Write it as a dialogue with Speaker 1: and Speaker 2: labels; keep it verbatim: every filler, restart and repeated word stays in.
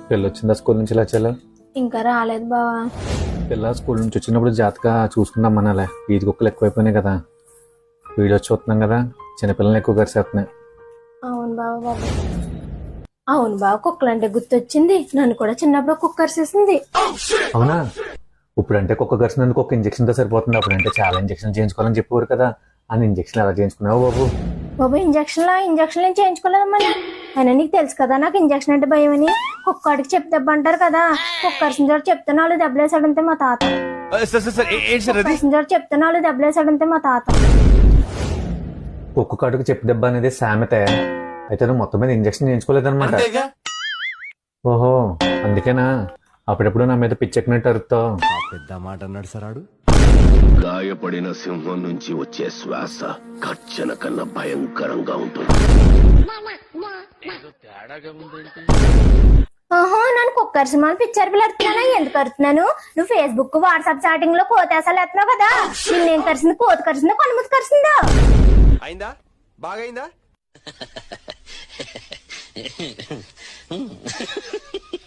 Speaker 1: పిల్ల వచ్చిందా స్కూల్ నుంచి లచ్చలు?
Speaker 2: ఇంకా రాలేదు బావా.
Speaker 1: పిల్ల స్కూల్ నుంచి వచ్చినప్పుడు జాతగా చూసుకుందాం అనాలే. వీధి కుక్కలు ఎక్కువైపోయినాయి కదా, వీడియోస్ చూస్తున్నాం కదా, చిన్నపిల్లల్ని ఎక్కువ కరిసేస్తున్నాయి.
Speaker 2: అవును బావ బాబు, అవును బావ, కుక్కలు అంటే గుర్తొచ్చింది. నన్ను కూడా చిన్నప్పుడు కుక్క కరిసేసింది.
Speaker 1: అవునా? ఇప్పుడంటే కుక్క కరిసినందుకు ఒక ఇంజక్షన్ తో సరిపోతుంది, అప్పుడంటే చాలా ఇంజక్షన్ చేయించుకోవాలని చెప్పేవారు కదా. అని ఇంజక్షన్ ఎలా చేయించుకున్నావు బాబు?
Speaker 2: బాబు ఇంజక్షన్ లా ఇంజక్షన్ ఏం చేయించుకోలేదమ్మని. అయినా నీకు తెలుసు కదా నాకు ఇంజక్షన్ అంటే భయం అని. కుక్కడికి చెప్పి దెబ్బ అంటారు కదా. కుక్క కరిసిన చోట చెప్తే నాలుగు దెబ్బలేసాడంతే మా తాత. కరిసిన చోట చెప్తే నాలుగు దెబ్బలేసాడంతే మా తాత.
Speaker 1: కుక్క కాటుకు చెప్పి దెబ్బ అనేది సామెతే. అయితే నువ్వు మొత్తం మీద ఇంజక్షన్ చేయించుకోలేదన్నమాట. ఓహో, అందుకేనా అప్పుడెప్పుడు నా మీద పిచ్చెక్కినట్టు అరుతావు?
Speaker 3: పెద్ద మాట అన్నాడు సరాడు.
Speaker 4: గాయపడిన సింహం నుంచి వచ్చే శ్వాస గర్జన కన్నా భయంకరంగా ఉంటుంది.
Speaker 2: ఓహో, నన్ను కుక్క కరిసిమని పిచ్చర్ పిల్లడుతున్నానా? ఎందుకు కరుతున్నాను? నువ్వు ఫేస్బుక్ వాట్సాప్ చాటింగ్ లో కోతేసాలు ఎత్తున్నావు కదా. నిన్నేం కరిసింది? కోత కరిసిందా, కొనుమూతి కరిసిందా?
Speaker 3: అయిందా? బాగైందా?